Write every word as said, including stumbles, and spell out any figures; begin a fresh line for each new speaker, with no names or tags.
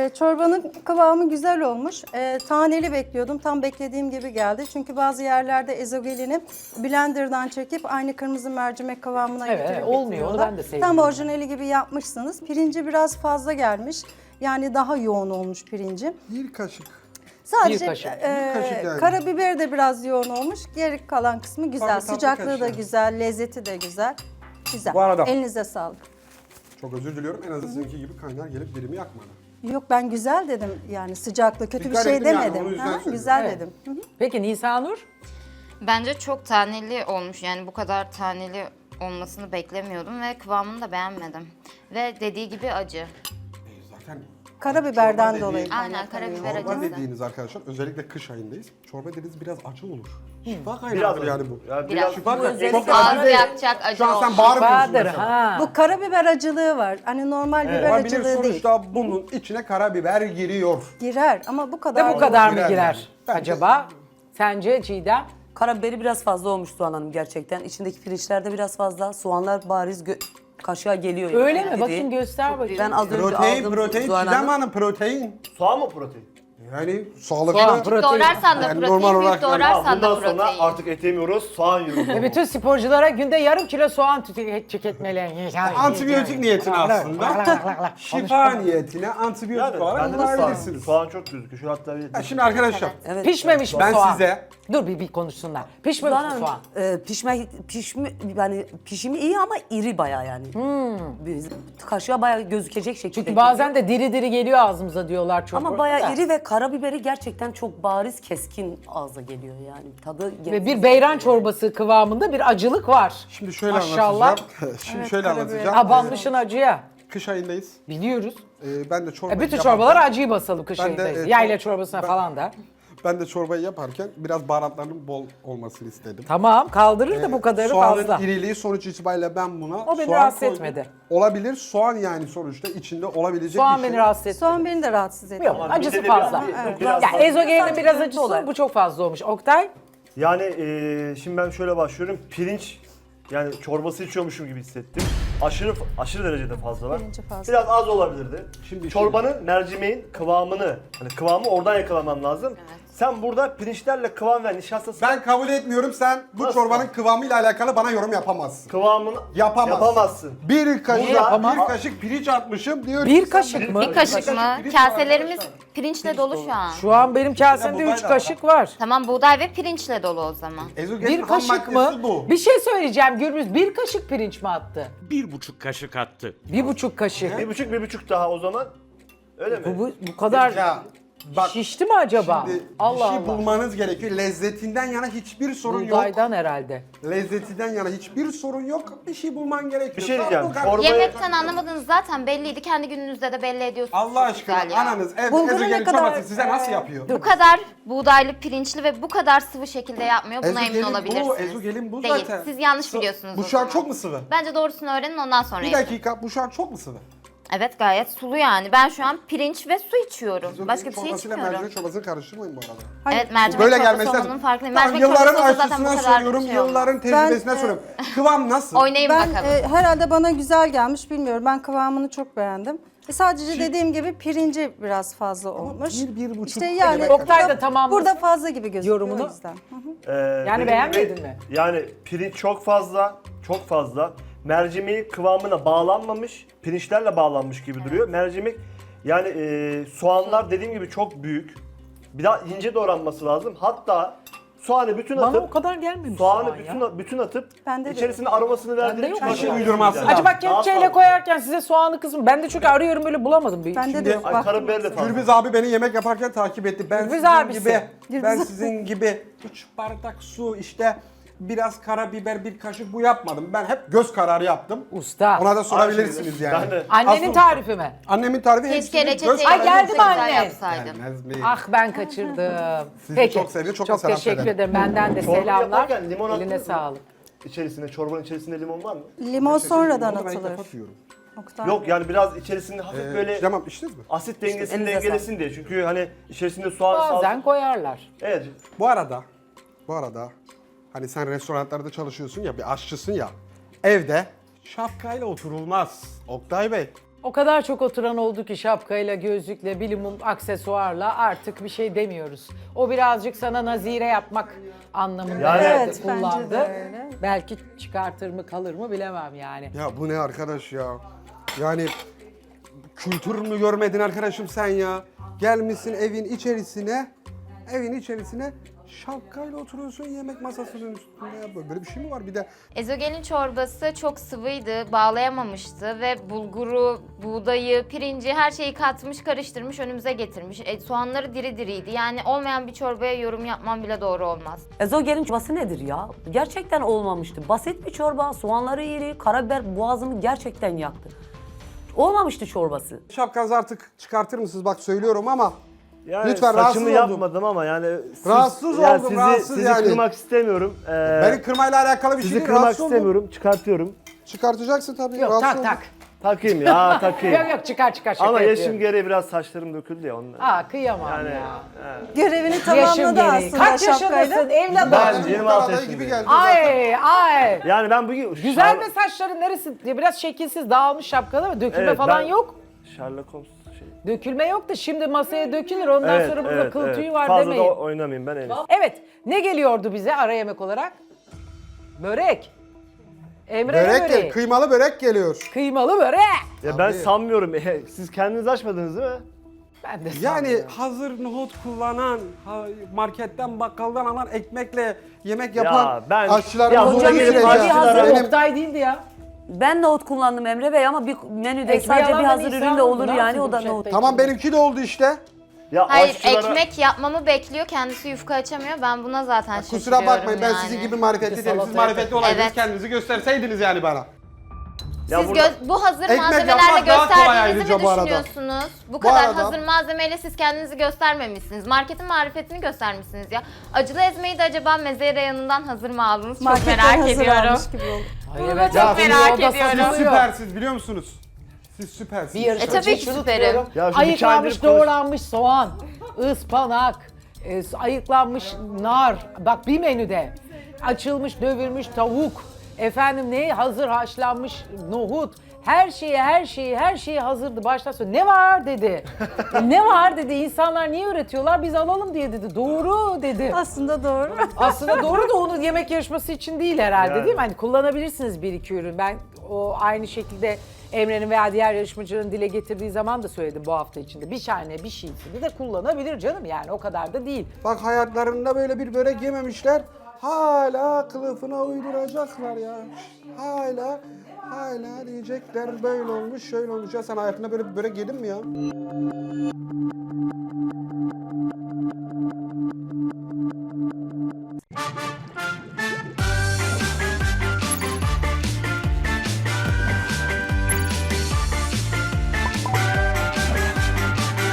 çorbanın kıvamı güzel olmuş. E, taneli bekliyordum. Tam beklediğim gibi geldi. Çünkü bazı yerlerde ezogelini blenderdan çekip aynı kırmızı mercimek kıvamına
Evet,
getirip
olmuyor. Onu
getiriyorlar.
ben de sevmiyorum.
Tam orijinali gibi yapmışsınız. Pirinci biraz fazla gelmiş. Yani daha yoğun olmuş pirinci.
Bir kaşık.
Sadece
Bir kaşık.
e,
Bir kaşık yani.
karabiber de biraz yoğun olmuş. Geri kalan kısmı güzel.
Tabii, tabii,
Sıcaklığı da
kaşık.
güzel, lezzeti de güzel. Güzel.
Bu arada-
Elinize sağlık.
Çok özür diliyorum. En azından sizinki gibi kaynar gelip dilimi yakmadı.
Yok ben güzel dedim yani sıcaklığı kötü
Dikkat
bir şey
ettim yani,
demedim.
onu yüzden
Ha,
söyledim.
güzel
Evet.
dedim. Hı hı.
Peki Nisanur?
Bence çok taneli olmuş. Yani bu kadar taneli olmasını beklemiyordum ve kıvamını da beğenmedim. Ve dediği gibi acı.
E, zaten
Karabiberden
Çorba
dolayı.
dediğin-
Aynen,
kaynaklanıyor.
karabiber
çorba
acısı.
dediğiniz arkadaşlar özellikle kış ayındayız. Çorba dediğiniz biraz acı olur. Şifa
Biraz
kaynağıdır yani bu.
Yani
Biraz.
biraz.
Şifa kaynağı.
Çok
acı
Ağzı
değil.
yakacak acı
Şu an sen
olmuş.
bağırmıyorsun
Bahadır
mesela.
ha.
Bu karabiber acılığı var. Hani normal biber
Olabilir,
acılığı değil.
sonuçta bunun içine karabiber giriyor.
Girer ama bu
De
kadar.
bu kadar mı
Girer
girer
yani. Bence-
acaba? Sence Çiğdem?
Karabiberi biraz fazla olmuş Soğan Hanım gerçekten. İçindeki pirinçler de biraz fazla. Soğanlar bariz gö- kaşığa geliyor.
Öyle
yani
mi?
dediği.
Bakayım göster bakayım.
Ben az önce
Protein,
aldım
protein,
Soğan
Çiğdem
Hanım.
Hanım protein.
Soğan mı protein?
Yani sağlıklı.
Soğan, protein.
Doğrarsan da
Yani
protein,
normal
büyük
olarak yani
doğrarsan
Bundan
da
sonra
protein.
artık et yemiyoruz, soğan yiyoruz.
Ve bütün sporculara günde yarım kilo soğan tüke- tüketmeli.
Antibiyotik niyetine aslında. Şifa niyetine antibiyotik
Yani
olarak
bende de soğan,
kullanabilirsiniz.
soğan çok gözüküyor. Şu hatta bir...
Ha, şimdi arkadaşlar
Evet.
Pişmemiş mi
ben
soğan?
size
Dur bir, bir konuşsunlar. Pişmemiş
Soğan
mi
Hanım,
soğan?
e, pişme, pişme, yani pişimi iyi ama iri bayağı yani. Biz- Kaşığa bayağı gözükecek şekilde.
Çünkü bazen de diri diri geliyor ağzımıza diyorlar çok.
Ama bayağı iri ve karabiberi gerçekten çok bariz keskin ağza geliyor yani. Tadı
Ve bir beyran çorbası kıvamında bir acılık var.
şimdi şöyle
Maşallah.
anlatacağım. Şimdi şöyle anlatacağım.
Abanmışın acıya.
Ee, Kış ayındayız.
Biliyoruz.
Ee, ben de çorbayı
E bütün
yaparken-
çorbalara acıyı basalım kış
Ben de,
ayındayız.
e,
Yayla
çor-
çorbasına
ben-
falan da.
Ben de çorbayı yaparken biraz baharatların bol olmasını istedim.
Tamam kaldırır da bu kadarı
Soğanın
fazla.
iriliği sonuç itibariyle ben buna
O beni
soğan
rahatsız
koydum.
etmedi.
Olabilir. Soğan yani sonuçta içinde olabilecek
Soğan
bir şey.
beni rahatsız etmedi.
Soğan beni de rahatsız ediyor.
Yok acısı
midede
fazla.
biraz-
Evet.
biraz
Ya
fazla.
ezogelinin biraz
Sadece
acısı
olarak.
bu çok fazla olmuş. Oktay?
Yani eee, şimdi ben şöyle başlıyorum. Pirinç, yani çorbası içiyormuşum gibi hissettim. Aşırı aşırı derecede fazla var.
Pirinci fazla.
Biraz az olabilirdi.
Şimdi-
Çorbanın, mercimeğin kıvamını, hani kıvamı oradan yakalamam lazım. Sen burada pirinçlerle kıvam ve nişastası
Ben kabul etmiyorum. Sen bu
Nasıl?
çorbanın kıvamıyla alakalı bana yorum yapamazsın.
kıvamını
Yapamazsın.
yapamazsın.
Bir kaşık,
Niye yapamaz?
bir kaşık pirinç atmışım diyor.
Bir
ki sen
kaşık
benim-
mı?
Bir kaşık mı?
pirinç var
Kaselerimiz
arkadaşlar.
pirinçle dolu şu an.
Şu an benim kasemde
buğday
üç
da
kaşık var.
Tamam, buğday ve pirinçle dolu o zaman.
Ezogelin
Bir
ham
kaşık
maddesi
mı?
Bu.
Bir şey söyleyeceğim Gürbüz. Bir kaşık pirinç mi attı?
Bir buçuk kaşık attı.
Bir buçuk kaşık.
Bir buçuk bir buçuk daha o zaman. Öyle mi?
Bu, bu, bu kadar
Ya bak
şişti mi acaba?
şimdi
Allah
bir şey
Allah.
bulmanız gerekiyor. Lezzetinden yana hiçbir sorun yok.
Buğdaydan herhalde.
Lezzetinden yana hiçbir sorun yok. Bir şey bulman gerekiyor.
Bir şey
Tamam,
diyeceğim,
bu kadar.
çorba-
Yemekten anlamadığınız zaten belliydi. Kendi gününüzde de belli ediyorsunuz.
Allah
Çok
aşkına
güzel ya.
ananız evde
Bulguru ne
ezogelin
kadar-
çorbası size nasıl yapıyor?
Bu kadar buğdaylı, pirinçli ve bu kadar sıvı şekilde yapmıyor. Buna emin
Ezogelin
olabilirsiniz.
bu, ezogelin bu
Değil.
zaten.
Siz yanlış
Sı-
biliyorsunuz
Bu
o
şu an
zaman.
çok mu sıvı?
Bence doğrusunu öğrenin, ondan sonra
Bir
yapın.
dakika, bu şu an çok mu sıvı?
Evet, gayet sulu yani. Ben şu an pirinç ve su içiyorum.
Ezogelin
Başka bir şey
çorbasıyla
içmiyorum.
mercimek çorbasını karıştırmayın bu arada.
Hayır.
Evet, mercimek
Böyle
çorbası
gelmesi
olmanın
lazım.
farkındayım.
Tamam,
Mercimek
yılların
çorbası olsa zaten bu
aşçısına
kadar
soruyorum,
bir şey olmaz.
yılların tecrübesine
Ben, e,
soruyorum. Kıvam nasıl?
Oynayın
Ben
bakalım.
e, herhalde bana güzel gelmiş bilmiyorum. Ben kıvamını çok beğendim. E, sadece dediğim gibi pirinci biraz fazla olmuş.
bir, bir buçuk
İşte
ne
yani
demek?
Oktay da
burada-
tamamlasın
Burada fazla gibi gözüküyor
yorumunu.
o yüzden. Hı hı.
Ee,
Yani
dediğim
beğenmedin
gibi,
mi?
Yani pirinç çok fazla, çok fazla. Mercimeği kıvamına bağlanmamış, pirinçlerle bağlanmış gibi duruyor. Mercimek, yani e, soğanlar dediğim gibi çok büyük. Bir daha ince doğranması lazım. Hatta soğanı bütün
Bana
atıp,
o kadar gelmemiş
soğanı
soğan
bütün,
ya.
bütün atıp
Bende de
içerisine aromasını verdiğim
yok.
Bir şey uydurması lazım.
Acaba
Daha
kepçeyle
fazla.
koyarken size soğanlı kısmı. Ben de çünkü arıyorum böyle bulamadım. Bir.
Bende
Şimdi-
de
Ay,
baktım.
karabiber de fazla.
Gürbüz abi beni yemek yaparken takip etti. Ben
Gürbüz
sizin
abisi.
gibi,
Gürbüz
ben
abi.
sizin gibi üç bardak su işte biraz karabiber bir kaşık bu yapmadım. Ben hep göz kararı yaptım.
Usta.
Ona da sorabilirsiniz yani.
Ben de.
Annenin
Asıl-
tarifi mi?
Annemin tarifi
Keşke
hepsini göz
reçeteyi
Ay,
kararı
geldi
çok
mi
güzel
anne?
yapsaydın.
Gelmez mi?
Ah ben kaçırdım.
Sizi
Peki.
çok seviyor, çok da selam
teşekkür
söylerim.
ederim. Benden de
Çorba
selamlar.
yaparken limon
Eline
attınız mı?
sağlık.
İçerisine, çorbanın içerisinde limon var mı?
Limon sonradan
Onu ben ilk
atılır.
defa duyuyorum.
Oktay.
Yok, yani biraz içerisinde hafif
Ee,
böyle
Tamam içtiniz mi?
asit dengesini
elinize
dengelesin diye. Çünkü hani içerisinde soğan,
Bazen
salça...
koyarlar.
Evet.
Bu arada, bu arada hani sen restoranlarda çalışıyorsun ya, bir aşçısın ya. Evde şapkayla oturulmaz. Oktay Bey.
O kadar çok oturan oldu ki şapkayla, gözlükle, bilimum aksesuarla artık bir şey demiyoruz. O birazcık sana nazire yapmak anlamında
Yani-
herhalde
Evet, bence de
kullandı.
öyle.
Belki çıkartır mı kalır mı bilemem yani.
Ya bu ne arkadaş ya? Yani kültür mü görmedin arkadaşım sen ya? Gelmişsin evin içerisine, evin içerisine şapkayla oturuyorsun yemek masasının üstünde. Ya böyle bir şey mi var? Bir de
Ezogelin çorbası çok sıvıydı, bağlayamamıştı ve bulguru, buğdayı, pirinci her şeyi katmış, karıştırmış, önümüze getirmiş. E, soğanları diri diriydi. Yani olmayan bir çorbaya yorum yapmam bile doğru olmaz.
Ezogelin çorbası nedir ya? Gerçekten olmamıştı. Basit bir çorba, soğanları iri, karabiber boğazımı gerçekten yaktı. Olmamıştı çorbası.
şapkanızı artık çıkartır mısınız? Bak söylüyorum ama
Yani
lütfen rahatsız
saçımı
oldum.
yapmadım ama yani siz-
Rahatsız
yani
oldum,
sizi,
rahatsız
sizi
yani.
kırmak istemiyorum. Ee,
Beni kırmayla alakalı bir şey
sizi
değil.
kırmak
Rahatsız oldum.
istemiyorum. Çıkartıyorum.
Çıkartacaksın tabii.
Yok
rahatsız
tak
oldum.
tak.
Takayım ya takayım.
Yok yok çıkar çıkar şaka
Ama
yapıyorum.
yaşım gereği biraz saçlarım döküldü ya ondan.
Aa kıyamam
Yani
ya.
Görevini
Yaşım
tamamladı
gereği.
aslında
Kaç
şapkayla.
yaşındasın evladım?
Ben
Zaten
yirmi
muhtar
altı
adayı gibi
yaşındayım.
geldi zaten.
Ay ay.
Yani ben bugün
Güzel
Şar-
mi saçların neresi? Ya biraz şekilsiz dağılmış şapkalı mı? Dökülme
Evet,
falan
ben-
yok.
Sherlock Holmes şey.
Dökülme yok da şimdi masaya dökülür ondan sonra burada kıl tüyü var
Fazla
demeyin.
da oynamayayım ben en iyisi.
Evet ne geliyordu bize ara yemek olarak? Börek. Emre ne
Börek
böreği?
gel, kıymalı börek geliyor.
Kıymalı börek.
Ya ben sanmıyorum. Siz kendiniz açmadınız değil mi?
Ben de
Yani
sanmıyorum.
hazır nohut kullanan, ha- marketten bakkaldan alan ekmekle yemek yapan
Ya ben-
aşçıların
Ya
olduğu
burada
bir
gelip
sürece
hadi hazır
benim
Oktay değildi ya.
Ben nohut kullandım Emre Bey ama bir menüde
Ekmeği
sadece bir
alan
hazır
ben
ürünle
İsa'nın
olur
ne
yani o
yapsın
da
bu
nohut.
şey?
tamam benimki de oldu işte.
Ya
Hayır,
aşçılara-
ekmek yapmamı bekliyor, kendisi yufka açamıyor. Ben buna zaten şaşırıyorum
Kusura bakmayın ben
yani.
sizin gibi marifetli
Bir de
değilim. Siz
salata
marifetli olaydınız
Evet.
kendinizi gösterseydiniz yani bana.
Ya
Siz
burada-
gö- bu hazır
Ekmek
malzemelerle
yapmak daha kolay
gösterdiğinizi
ayrıca
mi
bu arada.
düşünüyorsunuz? Bu kadar
arada-
hazır malzemeyle siz kendinizi göstermemişsiniz. Marketin marifetini göstermişsiniz ya. Acılı ezmeyi de acaba meze reyonundan hazır mı aldınız? Çok
Marketten
merak
hazır
ediyorum.
almış gibi oldu.
Ay
Bunu
evet,
da çok
ya,
merak
o da
ediyorum.
Siz
satılıyor.
süpersiniz biliyor musunuz? Siz süpersiniz.
Bir yarışmacı
E, tabii ki
şunu
süperim.
diyorum.
Ya şu
Ayıklanmış
hikayeleri konuş-
doğranmış soğan, ıspanak, e, ayıklanmış nar. Bak bir menüde açılmış dövülmüş tavuk. Efendim ne hazır haşlanmış nohut. Her şeyi her şeyi her şeyi hazırdı baştan sonra. Ne var dedi. Ne var dedi. İnsanlar niye üretiyorlar? Biz alalım diye dedi. Doğru dedi.
Aslında doğru.
Aslında doğru da onun yemek yarışması için değil herhalde
Yani.
değil mi? Hani kullanabilirsiniz bir iki ürün. Ben o aynı şekilde Emre'nin veya diğer yarışmacıların dile getirdiği zaman da söyledim bu hafta içinde. Bir tane bir şeysini de kullanabilir canım yani o kadar da değil.
Bak hayatlarında böyle bir börek yememişler. Hala kılıfına uyduracaklar ya. Hala hala diyecekler böyle olmuş şöyle olmuş. Ya sen hayatında böyle bir börek yedin mi ya?